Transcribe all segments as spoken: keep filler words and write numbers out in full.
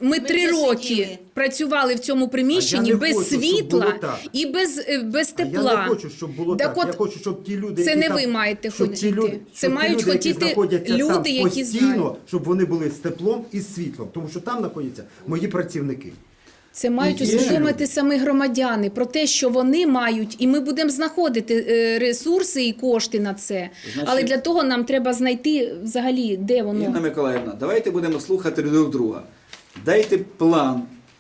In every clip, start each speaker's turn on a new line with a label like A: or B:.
A: ми три роки працювали в цьому приміщенні без
B: хочу,
A: світла і без, е, без тепла.
B: А я не хочу, щоб було
A: Так
B: так.
A: от,
B: Я хочу, щоб ті люди,
A: це
B: які
A: не
B: там,
A: ви маєте
B: щоб ті
A: хотіти.
B: люди,
A: Це
B: щоб ті
A: мають
B: люди, які
A: хотіти
B: знаходяться
A: люди,
B: там
A: які
B: постійно,
A: знають.
B: щоб вони були з теплом і з світлом, тому що там знаходяться мої працівники.
A: Це мають
B: І є
A: усвідомити
B: люди.
A: самі громадяни про те, що вони мають, і ми будемо знаходити е, ресурси і кошти на це.
C: Значить,
A: Але для того нам треба знайти взагалі, де воно.
C: Інна Миколаївна, давайте будемо слухати друг друга. Дайте план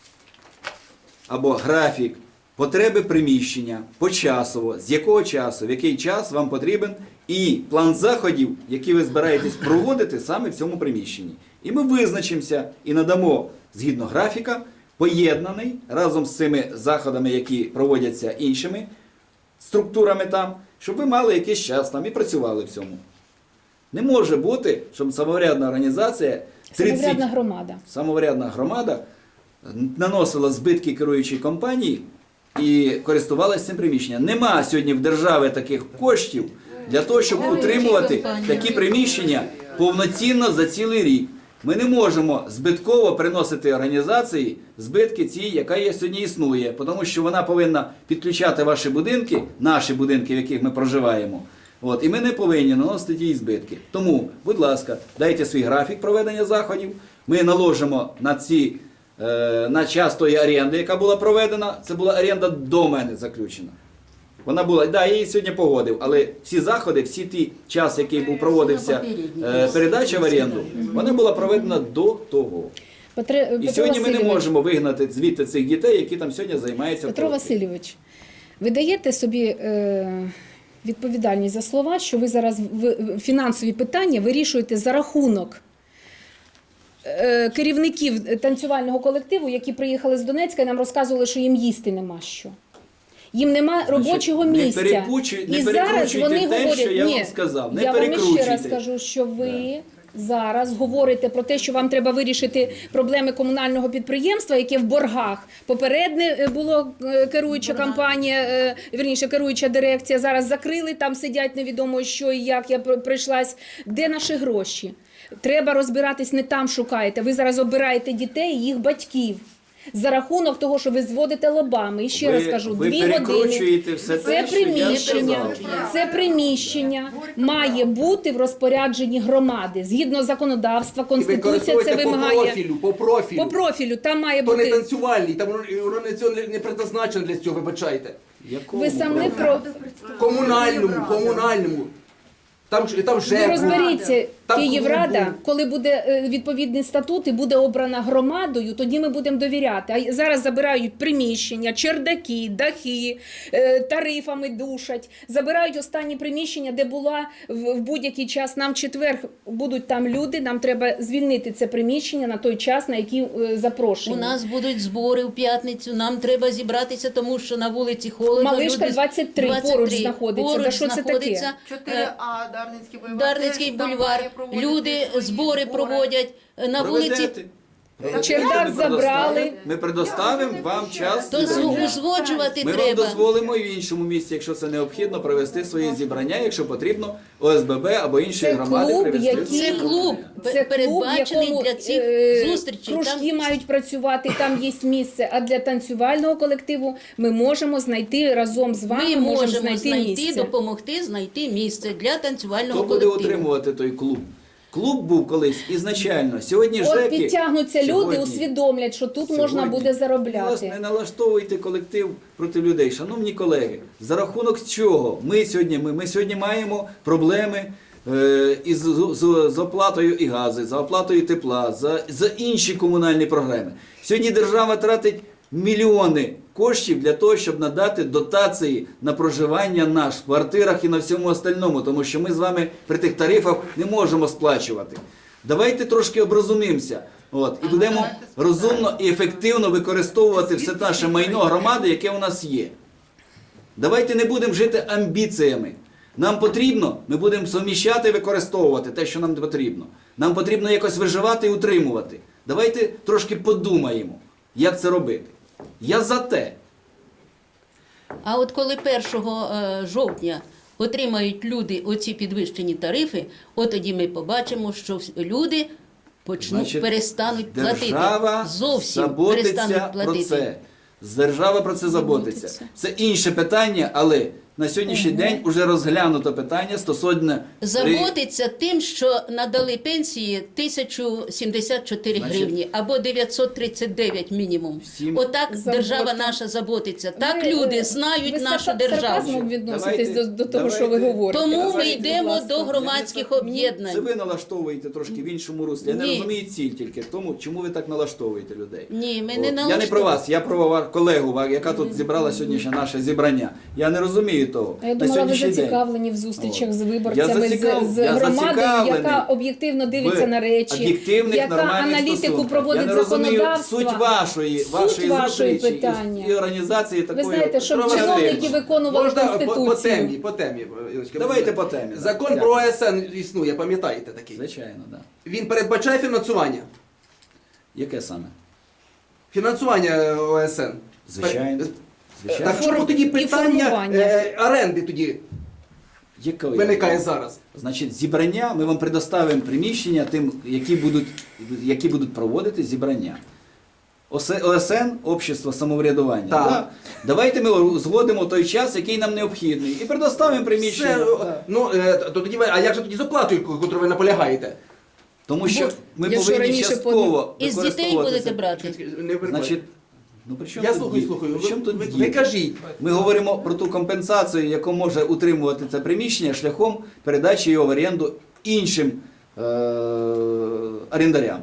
C: або графік потреби приміщення почасово, з якого часу, в який час вам потрібен, і план заходів, які ви збираєтесь проводити саме в цьому приміщенні. І ми визначимося і надамо, згідно графіка, поєднаний разом з цими заходами, які проводяться іншими структурами там, щоб ви мали якийсь час там і працювали в цьому. Не може бути, щоб самоврядна організація,
A: Самоврядна громада.
C: самоврядна громада наносила збитки керуючій компанії і користувалася цим приміщенням. Нема сьогодні в держави таких коштів для того, щоб утримувати такі приміщення повноцінно за цілий рік. Ми не можемо збитково приносити організації збитки ці, яка є сьогодні існує, тому що вона повинна підключати ваші будинки, наші будинки, в яких ми проживаємо. От, і ми не повинні наносити їй збитки. Тому, будь ласка, дайте свій графік проведення заходів. Ми наложимо на ці, е, на час тої оренди, яка була проведена. Це була оренда до мене заключена. Вона була, да, я її сьогодні погодив, але всі заходи, всі ті час, який був проводився е, передача в оренду, вона була проведена до того.
A: Петре,
C: І
A: Петро
C: сьогодні ми не
A: Васильович,
C: можемо вигнати звідти цих дітей, які там сьогодні займаються.
A: Петро
C: в
A: Васильович, ви даєте собі е, відповідальність за слова, що ви зараз в, фінансові питання вирішуєте за рахунок е, керівників танцювального колективу, які приїхали з Донецька і нам розказували, що їм їсти нема що. Їм нема робочого
C: не
A: місця.
C: перекручуй- не
A: І зараз
C: перекручуйте
A: вони
C: те,
A: говорять,
C: що я
A: ні,
C: вам сказав, не
A: я вам ще раз
C: перекручуйте.
A: кажу, що ви зараз говорите про те, що вам треба вирішити проблеми комунального підприємства, яке в боргах. Попередне було е, керуюча компанія, е, вірніше, керуюча дирекція, зараз закрили, там сидять невідомо що і як, я пр- прийшлась. Де наші гроші? Треба розбиратись, не там шукаєте. Ви зараз обираєте дітей і їх батьків. За рахунок того, що ви зводите лобами. І ще
C: Ви-
A: раз кажу,
C: ви
A: дві години.
C: перекручуєте все
A: Це
C: те, що я
A: приміщення,
C: сказав.
A: це приміщення має бути в розпорядженні громади. Згідно законодавства, Конституція це
D: використовуйте по
A: вимагає.
D: профілю, по профілю.
A: По профілю, там має
D: То не
A: бути.
D: танцювальний, там воно, воно не, цього не, не предназначено для цього, вибачайте.
C: Якому
A: Ви самі
C: праву?
A: про
D: Комунальному, комунальному. Там, ж- там
A: ви
D: вже
A: розберіться,
D: Там
A: Київрада,
D: клубу.
A: коли буде е, відповідний статут і буде обрана громадою, тоді ми будемо довіряти. А зараз забирають приміщення, чердаки, дахи, е, тарифами душать. Забирають останні приміщення, де була в в будь-який час. Нам в четвер будуть там люди, нам треба звільнити це приміщення на той час, на який е, запрошені.
E: У нас будуть збори в п'ятницю, нам треба зібратися, тому що на вулиці холодно.
A: Малишка
E: люди-
A: двадцять три поруч знаходиться. Да що це таке?
E: знаходиться.
F: чотири А, Дарницький бульвар.
E: Дарницький
F: теж там
E: бульвар.
F: має проводити
E: Люди
F: свої
E: збори проводять на вулиці.
C: Проведете.
A: Чердак
C: Ми
A: забрали.
C: предоставимо- Ми предоставимо вам час
E: То
C: зібрання.
E: узгоджувати
C: Ми вам
E: треба.
C: дозволимо і в іншому місці, якщо це необхідно, провести свої зібрання, якщо потрібно, О С Б Б або інші
A: Це
C: громади
A: клуб,
C: привести.
A: який-
E: Це клуб
A: Це клуб, в
E: передбачений
A: якому
E: для цих
A: е,
E: зустрічей.
A: кружки
E: Там
A: мають працювати, там є місце. А для танцювального колективу ми можемо знайти разом з вами,
E: ми
A: можемо
E: можемо
A: знайти,
E: знайти,
A: місце.
E: допомогти знайти місце для танцювального
C: Хто буде
E: колективу.
C: утримувати той клуб? Клуб був колись ізначально. Сьогодні
A: От
C: ЖЕКи...
A: підтягнуться люди,
C: сьогодні-
A: усвідомлять, що тут можна
C: Сьогодні
A: буде
C: ви
A: заробляти.
C: Не налаштовуйте колектив проти людей. Шановні колеги, за рахунок чого ми сьогодні, ми, ми сьогодні маємо проблеми е, із з, з, з оплатою і газу, за оплатою тепла, за, за інші комунальні програми. Сьогодні держава тратить мільйони коштів для того, щоб надати дотації на проживання наш в квартирах і на всьому остальному, тому що ми з вами при тих тарифах не можемо сплачувати. Давайте трошки оброзумімося. От, і будемо розумно і ефективно використовувати все наше майно громади, яке у нас є. Давайте не будемо жити амбіціями. Нам потрібно, ми будемо суміщати і використовувати те, що нам потрібно. Нам потрібно якось виживати і утримувати. Давайте трошки подумаємо, як це робити. Я за те.
E: А от коли першого е, жовтня отримають люди оці підвищені тарифи, от тоді ми побачимо, що вс- люди почнуть,
C: Значить,
E: перестануть платити.
C: Держава
E: Зовсім
C: заботиться
E: перестануть
C: про
E: платити.
C: це. Держава про це заботиться.
A: Заботиться.
C: Це інше питання, але на сьогоднішній день вже розглянуто питання стосовно
E: Заботиться тим, що надали пенсії тисячу сімдесят чотири
C: Значить,
E: гривні або дев'ятсот тридцять дев'ять мінімум.
C: всім-
E: Отак
A: Забота.
E: держава наша заботиться. Так
A: Ви,
E: люди
A: е,
E: знають
A: ви
E: нашу
A: сарка-
E: державу.
A: сарказмом відноситесь
C: Давайте-
A: до, до того, що ви
C: давайте-
A: говорите.
E: Тому ми
C: Давайте,
E: йдемо
A: будь ласка.
E: до громадських
C: Це
E: об'єднань.
C: ви налаштовуєте трошки в іншому руслі. Я не
E: Ні.
C: розумію ціль тільки в тому, чому ви так налаштовуєте людей.
E: Ні, ми
C: От.
E: не
C: Я не про
E: налаштовуємо.
C: вас, я про ва- колегу, ва- яка тут зібрала сьогоднішнє наше зібрання. Я не розумію того.
A: А я
C: На
A: думала, ви
C: сьогоднішній день.
A: зацікавлені в зустрічах
C: От.
A: з
C: Я
A: виборцями,
C: зацікав-
A: з, з
C: я
A: громадою,
C: зацікавлений
A: яка об'єктивно дивиться
C: в
A: на речі,
C: об'єктивних,
A: яка
C: нормальних
A: аналітику
C: стосунках.
A: проводить
C: Я не розумію
A: законодавства.
C: суть вашої,
A: Суть
C: вашої,
A: вашої
C: зустрічі
A: питання.
C: і, і організації
A: Ви
C: такої.
A: знаєте, щоб
C: Петро
A: чиновники
C: Васильович,
A: виконували
D: Можна по, по
A: Конституцію.
D: темі, по темі. Ірочка?
C: Давайте по темі. да.
D: Закон
C: Дякую.
D: про О С Н існує, пам'ятаєте такий?
C: Звичайно, так. Да.
D: Він передбачає фінансування.
C: Яке саме?
D: Фінансування О С Н.
C: Звичайно. Звичайно.
D: Так чому тоді
A: І
D: питання
A: формування.
D: е, оренди тоді
C: Якої?
D: виникає зараз?
C: Значить, зібрання, ми вам предоставимо приміщення тим, які будуть, які будуть проводити зібрання. О С Н, Общество самоврядування.
D: Так.
C: Да? Давайте ми згодимо той час, який нам необхідний, і предоставимо приміщення.
D: Все,
C: Да.
D: ну, е, то тоді, ви- а як же тоді з оплатою, яку ви наполягаєте?
C: Тому що ми
A: якщо
C: повинні
A: раніше
C: частково
E: Із дітей
C: використовувати
E: будете
C: це.
E: брати.
D: Не перебивайте.
C: Значить, ну при чому
D: Я
C: тут
D: слухаю,
C: діти?
D: слухаю.
C: При чому
D: Ви,
C: тут
D: ви,
C: діти?
D: ви кажіть.
C: Ми говоримо про ту компенсацію, яку може утримувати це приміщення шляхом передачі його в оренду іншим е- орендарям.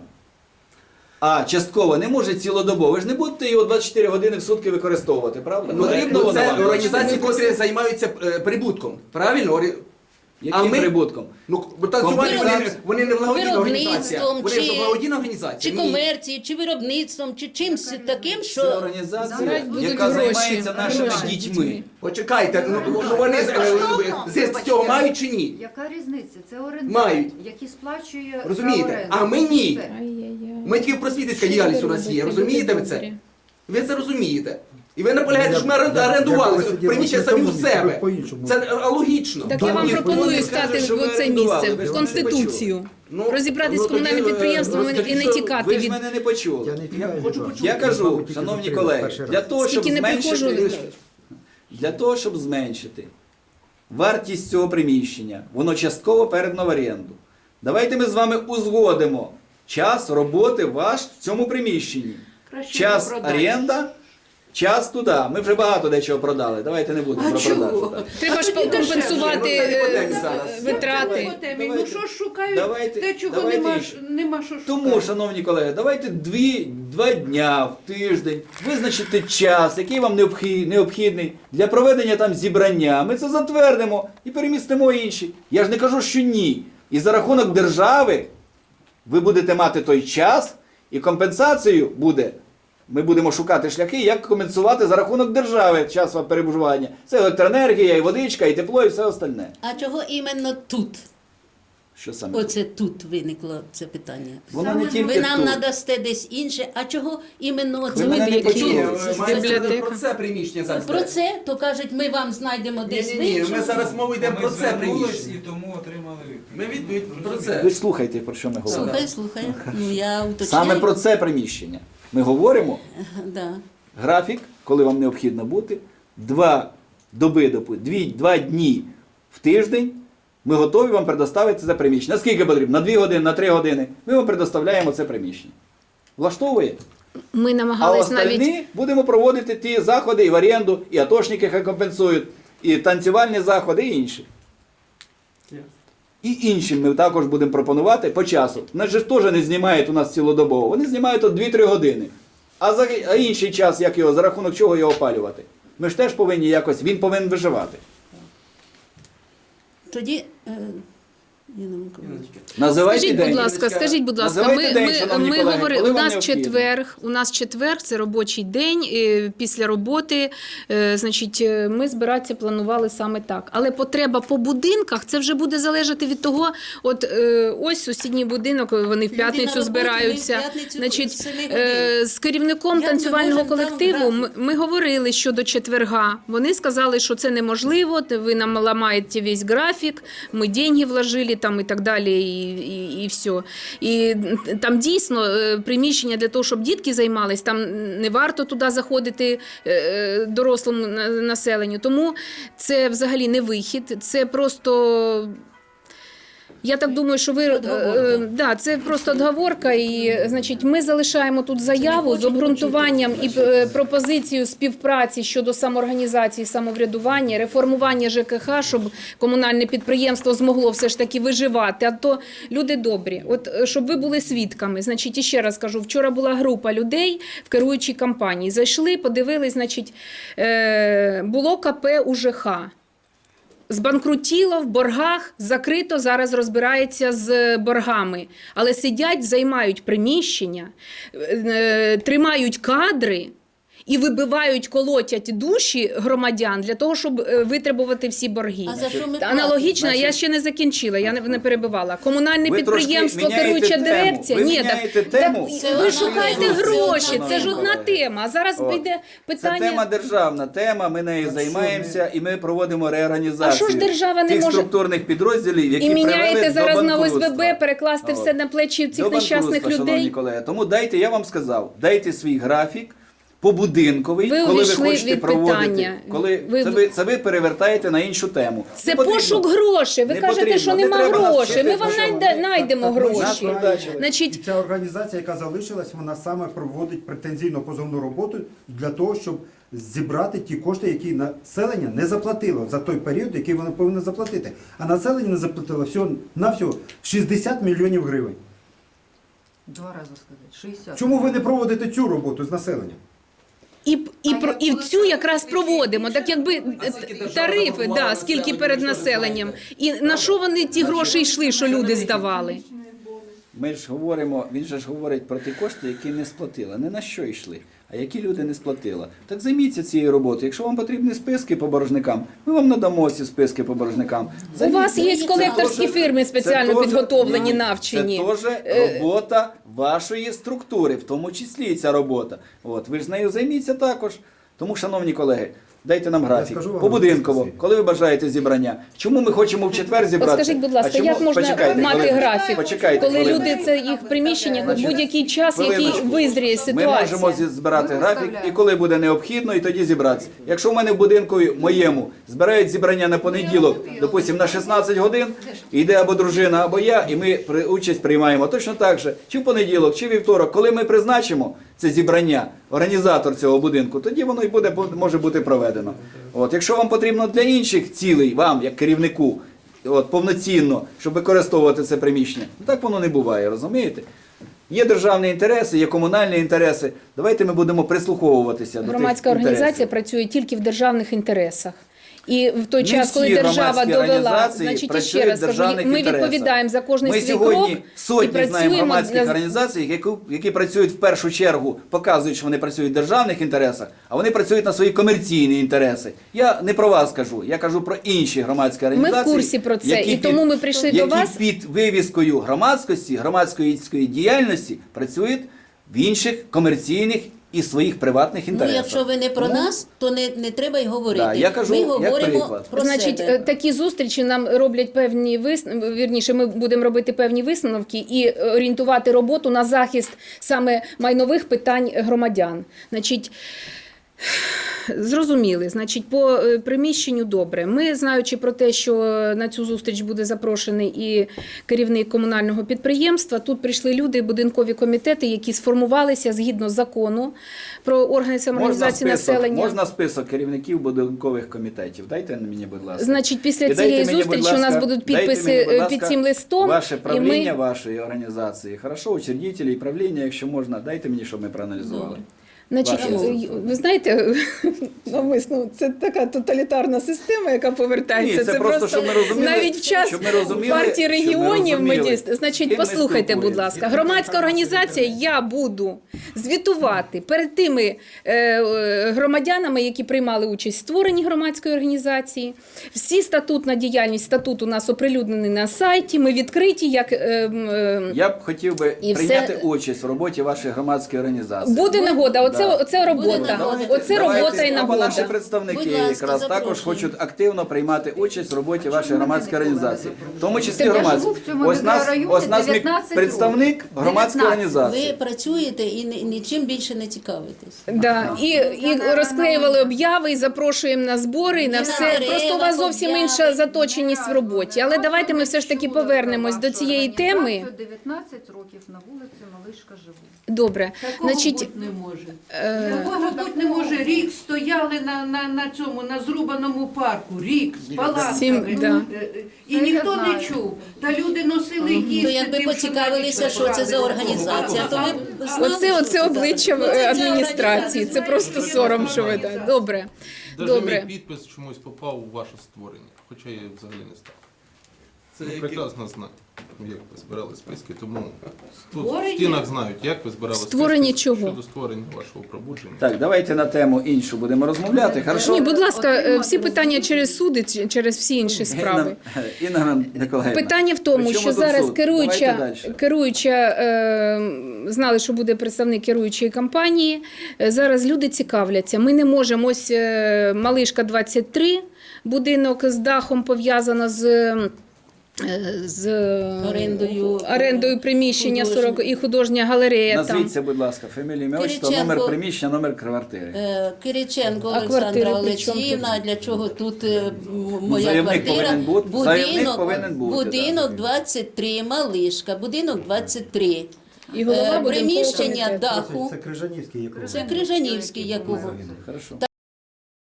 C: А частково не може цілодобово. Ви ж не будете його двадцять чотири години в сутки використовувати, правда?
D: Ну,
C: Потрібно
D: ну,
C: воно
D: це
C: вам?
D: організації, котрі займаються е, прибутком. Правильно? Орі-
C: Яким
D: а ми-
C: прибутком?
D: Ну, бо танцювальні вони,
C: Компенсація.
D: вони не благодійна організація.
E: Виробництвом
D: Вони ж
E: чи-
D: благодійна
E: Чи
D: організація. Ні.
E: комерції, чи виробництвом, чи чимось таким,
C: Це
E: що
C: організація,
A: Зараз будуть
C: яка
A: гроші.
C: займається нашими
A: Гроші
C: дітьми.
D: Почекайте, ну, ну вони з- е, з з цього мають чи ні?
F: Яка різниця? Це орендар,
D: Мають.
F: який сплачує
D: Розумієте?
F: за оренду.
D: А ми ні.
F: Все.
A: Ай-яй-яй.
D: Ми тільки просвітницька
A: Що
D: діяльність
A: ви
D: у нас є.
A: робите?
D: Розумієте ви
A: Люди
D: це?
A: добрі.
D: Ви це розумієте. І ви наполягаєте, що ми
B: Я-
D: орен-
B: я-
D: орендували
B: я сидів
D: приміщення
B: на
D: самі у
B: цьому,
D: себе.
B: по-іншому.
D: Це е, логічно.
A: Так
B: Да,
A: я вам
B: ні,
A: пропоную
C: вони
A: стати
C: кажуть, що
A: в
C: ви
A: це
C: орендували,
A: місце,
C: ви
A: в
C: ж мене не
A: Конституцію.
D: Ну,
A: Розібратись
D: ну,
A: з комунальним
D: тоді, е,
A: підприємством і
C: Розкажіть,
A: не
C: що
A: тікати
C: ви ж
A: від...
C: мене не почули.
B: Я не тікаю
D: хочу
B: від вас.
D: почути.
C: Я кажу,
B: Мабуть, тільки
C: шановні
B: зустрілись
C: колеги,
B: перший
C: для
B: раз.
C: того, щоб
A: Скільки не приходжу,
C: зменшити, для того, щоб зменшити вартість цього приміщення, воно частково передано в оренду. Давайте ми з вами узгодимо час роботи ваш в цьому приміщенні.
F: Краще
C: Час
F: його продати.
C: оренда, час туди. Ми вже багато дечого продали. Давайте не будемо
F: А
C: про
F: чого?
C: продажу. так.
A: Треба ж
F: тоді дешевше.
A: компенсувати
D: Ну, це не по темі
A: е,
D: зараз.
A: витрати.
F: По темі.
C: Давайте.
F: Ну що ж шукають
C: Давайте-
F: те, чого
C: давайте
F: нема,
C: інше.
F: ж- нема що шукати.
C: Тому, шановні колеги, давайте дві, два дня в тиждень визначити час, який вам необхід- необхідний для проведення там зібрання. Ми це затвердимо і перемістимо інші. Я ж не кажу, що ні. І за рахунок держави ви будете мати той час, і компенсацію буде. Ми будемо шукати шляхи, як компенсувати за рахунок держави час вам перебування. Це електроенергія, і водичка, і тепло, і все остальне.
E: А чого іменно тут?
C: Що саме?
E: Оце тут виникло це питання.
C: Воно не тільки
E: Ви нам
C: тут.
E: надасте десь інше, а чого іменно
C: Ви
E: це
C: мене не
E: вибір?
C: почули.
D: Ні,
C: Це
D: мається
A: бібліотека.
D: про це приміщення зараз.
E: Про це, то кажуть, ми вам знайдемо
D: Ні,
E: десь
D: ні, ні,
E: інше.
D: ми зараз мова йде
G: Ми
D: про це
G: звернулись
D: приміщення.
G: і тому отримали відповідь.
D: Ми відповідь про це.
C: Ви ж слухайте, про що ми говоримо.
E: Слухай, слухай. Ну я уточняю.
C: Саме про це приміщення. Ми говоримо
E: Да.
C: графік, коли вам необхідно бути, два доби, допу- дві, два дні в тиждень. Ми готові вам предоставити це приміщення. Наскільки потрібно? На дві години, на три години. Ми вам предоставляємо це приміщення. Влаштовує?
A: Ми
C: А
A: намагались
C: остальні
A: навіть...
C: будемо проводити ті заходи і в оренду, і атошники хай компенсують, і танцювальні заходи, і інші. І іншим ми також будемо пропонувати по часу. Нас же ж теж не знімають у нас цілодобово. Вони знімають от дві-три години. А, за, а інший час, як його, за рахунок чого його опалювати? Ми ж теж повинні якось, він повинен виживати.
E: Тоді, е, Ніна Миколаївна,
C: Називайте
A: Скажіть,
C: день.
A: будь ласка, скажіть, будь ласка,
C: Називайте
A: ми,
C: день,
A: ми,
C: шановні
A: ми
C: колеги,
A: говорили,
C: коли
A: у
C: вам
A: нас
C: необхідно.
A: четверг, у нас четверг, це робочий день, е, після роботи, е, значить, е, ми збиратися планували саме так. Але потреба по будинках, це вже буде залежати від того, от е, ось сусідній будинок, вони в
E: Люди
A: п'ятницю
E: на роботі,
A: збираються.
E: ми в п'ятницю
A: Значить,
E: з семи
A: е,
E: годин.
A: з керівником
E: Як ми
A: танцювального
E: можемо там
A: колективу ми,
E: грати?
A: ми говорили щодо четверга. Вони сказали, що це неможливо, ви нам ламаєте весь графік, ми деньги вложили, там і так далі, і, і, і все. І там дійсно е, приміщення для того, щоб дітки займались, там не варто туди заходити е, дорослому на- населенню. Тому це взагалі не вихід, це просто... Я так думаю, що ви е, е, да, це просто отговорка, і значить, ми залишаємо тут заяву з обґрунтуванням і е, пропозицією співпраці щодо самоорганізації, самоврядування, реформування ЖКХ, щоб комунальне підприємство змогло все ж таки виживати. А то люди добрі. От е, щоб ви були свідками. Значить, і ще раз кажу, вчора була група людей в керуючій компанії. Зайшли, подивились, значить, е, було КП УЖХ. Збанкрутіло, в боргах, закрито, зараз розбирається з боргами. Але сидять, займають приміщення, е, тримають кадри і вибивають, колотять душі громадян для того, щоб е, витребувати всі борги.
E: А за що ми
A: Аналогічно,
C: платимо?
A: я ще не закінчила, я не, не перебивала. Комунальне
C: Ви трошки
A: підприємство,
C: міняєте
A: керуюча
C: тему.
A: дирекція.
C: Ви
A: Ні,
C: міняєте
A: так,
C: тему.
A: так,
E: Це
A: ви
E: одна
A: шукаєте
E: тема.
A: гроші,
E: Це
A: це ж
E: одна
A: одна
C: тема.
A: тема. А зараз
C: От.
A: йде питання...
C: Це тема державна тема, ми нею
B: Так
C: займаємося і ми проводимо реорганізацію
A: А що ж держава не
C: тих
A: може-
C: структурних підрозділів, які
A: І міняєте
C: привели
A: зараз
C: до
A: на
C: банкрутства.
A: ОСББ, перекласти
C: От.
A: все на плечі цих
C: До
A: нещасних
C: банкрутства, шановні
A: людей.
C: колеги. Тому дайте, я вам сказав, дайте свій графік побудинковий,
A: Ви
C: коли ви
A: увійшли
C: хочете
A: від
C: проводити.
A: питання.
C: Коли
A: Ви-
C: це, ви, це ви перевертаєте на іншу тему.
A: Це
C: Не потрібно.
A: пошук грошей. Ви
C: Не
A: кажете,
C: потрібно,
A: що
C: не
A: нема
C: треба нас
A: грошей. Ми
C: вчити,
A: вам
C: що
A: найде-
B: ми-
A: знайдемо
B: так, так, ми
A: гроші.
C: Нас продачили.
B: І
A: Значить,
B: ця організація, яка залишилась, вона саме проводить претензійно позовну роботу для того, щоб зібрати ті кошти, які населення не заплатило за той період, який воно повинно заплатити. А населення не заплатило всього на всього шістдесят мільйонів гривень.
F: Два рази сказати. шістдесят.
B: Чому ви не проводите цю роботу з населенням?
A: і, і,
F: А
A: про,
F: як
A: і
F: коли
A: цю
F: це
A: якраз
F: виключно
A: проводимо. Так якби е,
D: скільки держава
A: тарифи,
D: запропонувала
A: да, скільки
D: населенню,
A: перед
D: ви що
A: населенням.
D: знаєте?
A: І на що вони ті гроші йшли, що люди здавали?
C: Ми ж говоримо, він же ж говорить про ті кошти, які не сплатила. Не на що йшли, а які люди не сплатила. Так займіться цією роботою. Якщо вам потрібні списки по боржникам, ми вам надамо ці списки по боржникам.
A: У вас є
C: Займіться.
A: колекторські
C: Це
A: фірми
C: теж-
A: спеціально
C: це теж-
A: підготовлені,
C: ні,
A: навчені.
C: Це теж робота вашої структури, в тому числі і ця робота. От, ви ж з нею займіться також. Тому, шановні колеги, дайте нам графік.
B: скажу вам
C: Побудинково,
B: спасибі.
C: коли ви бажаєте зібрання. Чому ми хочемо в четвер зібратися?
A: От скажіть, будь ласка,
C: А чому-
A: як можна
C: Почекайте,
A: мати
C: хвилиночку.
A: графік,
C: Почекайте,
A: коли
C: хвилиночку.
A: люди це їх приміщення в
C: Значить,
A: будь-який час, який
C: хвилиночку.
A: визріє
C: Ми
A: ситуація?
C: можемо зі- збирати
F: Ми
C: графік,
F: виставляємо.
C: і коли буде необхідно, і тоді зібратися. Якщо в мене в будинку моєму збирають зібрання на понеділок, допустимо, на шістнадцять годин, йде або дружина, або я, і ми при- участь приймаємо точно так же, чи в понеділок, чи вівторок, коли ми призначимо це зібрання, організатор цього будинку, тоді воно і буде, може бути проведено. От, якщо вам потрібно для інших цілей, вам, як керівнику, от, повноцінно, щоб використовувати це приміщення, ну, так воно не буває, розумієте? Є державні інтереси, є комунальні інтереси. Давайте ми будемо прислуховуватися до
A: Громадська
C: тих
A: організація
C: інтересів.
A: працює тільки в державних інтересах. І в той
C: Не
A: час, коли
C: всі
A: держава
C: громадські
A: довела,
C: організації
A: значить, і ще
C: працюють
A: раз
C: в
A: кажу,
C: державних
A: ми
C: інтересах.
A: відповідаємо за кожний
C: Ми
A: свій
C: сьогодні
A: крок і
C: сотні знаємо
A: працюємо
C: громадських
A: для...
C: організацій, які, які працюють в першу чергу, показують, що вони працюють в державних інтересах, а вони працюють на свої комерційні інтереси. Я не про вас кажу, я кажу про інші громадські
A: Ми
C: організації.
A: в курсі про це,
C: які
A: і тому ми прийшли
C: які
A: до вас.
C: під вивіскою громадськості, громадської діяльності працюють в інших комерційних і своїх приватних
E: Ну,
C: інтересах.
E: якщо ви не про
C: Тому-
E: нас, то не, не треба й говорити.
C: Да, я кажу,
E: ми
C: як
E: говоримо
C: приклад.
E: про
A: Значить,
E: себе.
A: е, такі зустрічі нам роблять певні висновки, вірніше, ми будемо робити певні висновки і орієнтувати роботу на захист саме майнових питань громадян. Значить, зрозуміли, значить, по е, приміщенню добре. Ми, знаючи про те, що на цю зустріч буде запрошений і керівник комунального підприємства, тут прийшли люди, будинкові комітети, які сформувалися згідно закону про органи самоорганізації
C: Можна список,
A: населення.
C: можна список керівників будинкових комітетів. Дайте мені, будь ласка.
A: Значить, після
C: І
A: цієї
C: дайте мені, будь
A: зустрічі у нас
C: ласка,
A: будуть
C: дайте
A: підписи
C: мені, будь
A: е,
C: ласка,
A: під цим листом.
C: Ваше
A: і
C: правління
A: ми...
C: вашої організації. Хорошо, учредителі і правління, якщо можна, дайте мені, щоб ми проаналізували.
A: Значить,
C: Ваші
A: е, ви знаєте, навмисно, це така тоталітарна система, яка повертається.
C: Ні, це просто, щоб ми розуміли,
A: навіть в час
C: щоб ми розуміли,
A: партії
C: щоб ми
A: регіонів ми
C: розуміли,
A: дійсно.
C: з
A: Значить,
C: ким ми
A: послухайте, будь
C: спілкуємося.
A: ласка, громадська організація, я буду звітувати перед тими е, е, громадянами, які приймали участь в створенні громадської організації. Всі статутна діяльність, статут у нас оприлюднений на сайті, ми відкриті, як... Е, е,
C: Я б хотів би
A: І
C: прийняти
A: все-
C: участь в роботі вашої громадської організації.
A: Буде нагода. Оце оце, оце робота.
E: Давайте-
A: Оце
C: Давайте,
A: робота і
C: або
A: нагода.
C: наші представники
E: Будь ласка,
C: якраз також
E: запрошую.
C: хочуть активно приймати участь в роботі вашої громадської організації, в тому числі
A: Я
C: громадської.
F: живу в цьому
C: Ось нас,
F: мікрорайоні
C: ось нас мік-
F: дев'ятнадцять
C: представник громадської
F: дев'ятнадцять.
C: організації.
E: Ви працюєте і ні- нічим більше не цікавитесь.
A: Да. І, і розклеювали обяви, і запрошуємо на збори, і на все.
E: дерева,
A: Просто у вас зовсім
E: обяви.
A: інша заточеність в роботі. Але давайте ми все ж таки повернемось до цієї теми.
F: дев'ятнадцять років на вулиці Малишка живу.
A: Добре.
G: Такого
A: Значить,
G: бути не може.
A: е,
G: Такого бути не може. Рік стояли на, на, на цьому, на зрубаному парку. Рік з палатками.
A: Сім, да.
G: Е, е, І
F: Це я
G: ніхто
F: знаю.
G: не чув. Та люди носили їсти.
E: То якби
G: тим, що
E: поцікавилися,
G: навіть
E: що це за
G: брали.
E: організація, то ви б знали,
A: оце,
E: що
A: оце
E: це
A: обличчя
E: за- Оце ця
A: адміністрації. Це
E: організація.
A: просто сором, що ви так. Добре.
H: Даже
A: Добре.
H: мій підпис чомусь попав у ваше створення, хоча я взагалі не став.
C: Це
H: Ви
C: які-
H: прекрасно знаєте, як ви збирали списки, тому тут в
G: Створення?
H: стінах знають, як ви збирали
A: Створення
H: списки
A: чого?
H: щодо створення вашого пробудження.
C: Так, давайте на тему іншу будемо розмовляти. Хорошо?
A: Ні, будь ласка, е, всі питання через суди, чи- через всі інші справи.
C: Інна, Інна Миколаївна.
A: Питання в тому,
C: при чому
A: що
C: тут
A: зараз
C: суд?
A: керуюча,
C: Давайте далі.
A: керуюча е, знали, що буде представник керуючої компанії. Е, Зараз люди цікавляться. Ми не можемо, ось е, Малишка двадцять три, будинок з дахом пов'язано з. е, З
E: Орендою.
A: орендою приміщення
E: Художнє.
A: сорок і художня галерея там.
C: Назвіться, будь ласка, фамілію, ім'я, отчество,
E: Кириченко.
C: номер приміщення, номер квартири.
E: Е, Кириченко
A: А квартири
E: Олександра
A: при чому
E: Олексіївна, а для чого тут е, м- моя
C: заявник
E: квартира?
C: повинен бути- заявник повинен бути,
E: будинок
C: да.
E: двадцять три, Малишка, будинок двадцять три.
A: І голова
E: Е,
A: будинкового
E: приміщення
A: комітету.
E: даху.
B: Це Крижанівський, якого
E: Це Крижанівський, Якубов.
C: Хорошо.